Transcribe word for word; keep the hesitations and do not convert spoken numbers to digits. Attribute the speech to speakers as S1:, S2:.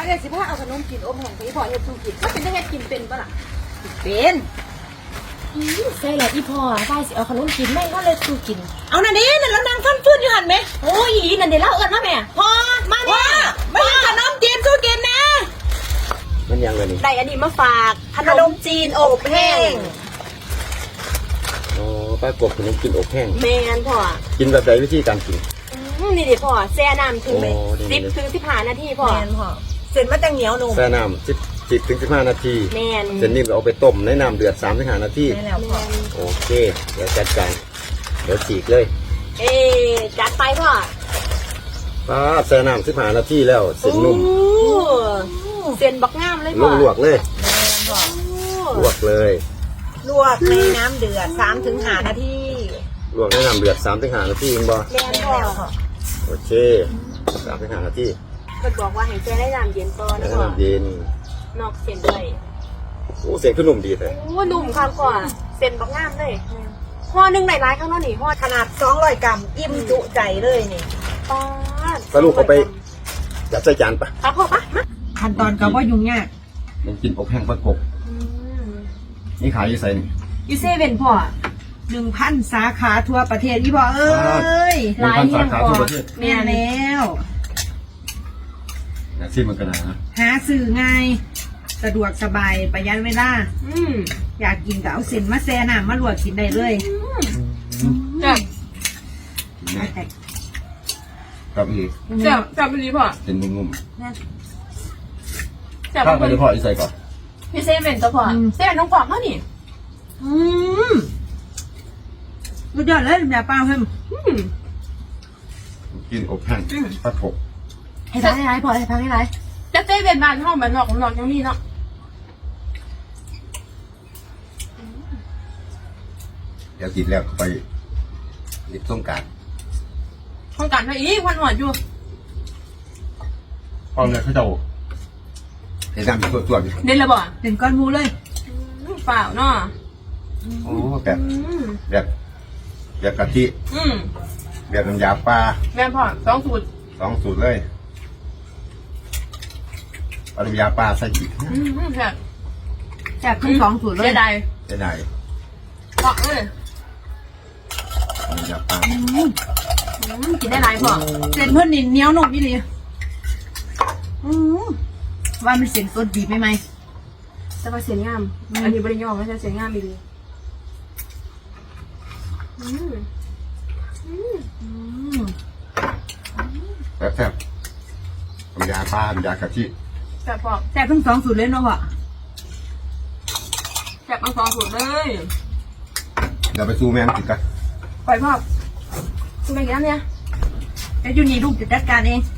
S1: เดี๋ยวสิพาเอาขนมกินอมแห้งไปพ่อเฮ็ดสู้กินมันเป็นได้เฮ็ดกินเป็นปะล่ะเป็น
S2: อีใส่แล้วอีพ่อได้สิเอาขนมกินแม่ก็เลยสู้กินเอานั่นเด้นั่นแล้วนางฟันฟื้นอยู่หันไหมโอ้ยอีนั่นเดี๋ยวเล่าเอิญมาแม่พ่อมาเนี่ยมาเห็นขนมจีนสู้กินนะ
S3: มันยังไงนี่
S2: ได้อันนี้มาฝากขนมจีนอบแห้ง
S3: อ๋อป้ากบขนมกินอบแห้ง
S2: แม่นพ่อ
S3: กินแบบไหนวิธีการกิน
S2: อืมนี่ดิพ่อแช่น้ำถึงไป
S3: โอ้ดี
S2: สิบ
S3: เลย
S2: ถึงสิบห้านาทีพ่อ
S1: แม่นพ่อเส้นมันจังเหนียวนุ่ม
S3: แช่น้ำสิบสิบถึงสิบห้านาที
S2: แม่น
S3: เสร็จนี่เอาไปต้มในน้ำเดือดสามถึงห้านาที
S1: แม่แล้วพ่อ
S3: โอเคเดี๋ยวจัดการเดี๋ยวฉีกเลย
S2: เอ๊จัดไปพ่อ
S3: ป้าแช่น้ำสิบห้านาทีแล้วเสร็จนุ่ม
S2: โอ้เส้นบักงามเลย
S3: ล
S2: พ่อ
S3: วกลวกเลย
S1: แม่นพ่อ
S3: ลวกเลย
S1: ลวกในน้ำเดือดสามถึงห้านาที
S3: ลวกในน้ำเดือดสามถึงห้านาทีเองบ่
S2: แม่น
S1: แม่
S2: พ่อ
S1: แล้วพ่อ
S3: โอเคสามถึงห้านาที
S2: เพิ่นบอกว่าให้แช่ได้น้ำเย็นก่อน
S3: แล้
S2: นะ
S3: ว
S2: พ่อ
S3: น้ำเย็น
S2: นอกเส้นด้วย
S3: โอ้เสียงขึ้นนุ่มดีเลย
S2: โอ้นุ่มครับพ่อเส้นบักงามเลยห่อหนึ่งหลายๆข้างนอกนี่ห่อ
S1: ขนาดสองร้อยกรัมอิ่มจุใจเลยนี่
S2: ปาด
S3: สรุปเอาไปจัดใส่จานปะ
S2: ครับพ่อปะมา
S1: ขั้นตอนก็ว่ายุ่งยาก
S3: มันกินอบแห้งประกบ
S2: อืม
S3: นี่ขายอยู่ใส่นี่
S2: ยูเซเว่นพ่อ
S1: หนึ่งพันสาขาทั่วประเทศอีพ่อเอ้ย
S3: หนึ่งพันสาขาทั่วประเทศ
S1: แม่แล้ว
S3: นะซิมันก็นะ
S1: หาซื้อง่ายสะดวกสบายประหยัดเวลา
S2: อืม
S1: อยากกินก็เอาเส้นมาแช่น้ำมาลวกกินได้เลย
S2: จับ
S3: ครับอีก
S2: จับจับไปดีพ่อ
S3: เป็นนุ่ม
S2: จับ
S3: ๆข้าวไปเลยพ่ออีใส่ก่อน
S2: พี่เซเว่นตัวพ่อเซเว่นน้องกวางเขานี่
S1: อืมสุดยอดเลยอย่าเปล่าเพิ่ม
S2: อืม
S3: กินอบแห้งประกบ
S2: ให้พักให้ไรพ่อให้พักให้ไรจะเซเว่นบ้านห้องแบบนอกของนอกยังมีเนาะ
S3: เดี๋ยวกินแล้วไปริบส้มการ
S2: ห้องกันให้อีกวันหอดอยู่
S3: พร้อมเลยเขาจะเห็นน้ำตัวตัวๆอยู่
S2: เด่นละบ่
S1: เป็นก้อนหมูเลย
S2: เปล่าเนาะ
S3: โอ้แบบ
S2: อืม
S3: แบบแบบกะทิ
S2: อืม
S3: แบบน้ำยาปลา
S2: แม่พ่อสองสูตร
S3: สองสูตรเลยเอาน้ำยาปลาใส่อีก
S2: อืมแบบ
S1: จากทั้งสองสูตรเล
S2: เสี
S1: ย
S2: ยดาย
S3: ได้ไหน
S2: เพราะเลย
S3: น้ำยาปลา
S2: อืมกินได้หลายพ่อ
S1: เส้นเพิ่นนี่เหนียวนุ่มนี่เลยอืมว่ามันเส้นสดดีไหมไหม
S2: แต่ว่าเสียงงาม อันนี้บริยอมไม่ใช่เสียงงามอีกเลยอืมอืม
S1: อืม
S3: แบบแซ่บน้ำยาปลาน้ำยากะทิ
S2: แต่พอ
S1: แซ่บทั้งสองสูตรเลยเนาะพ่อ
S2: แซ่บเอาสองสูตรเลย
S3: เดี๋ยวไปซูแมงกินกัน
S2: ปล่อยพ่อคุณไปกินน้ำเนี่ย
S1: แล้วอยู่นี่ลูกจะจัดการเอง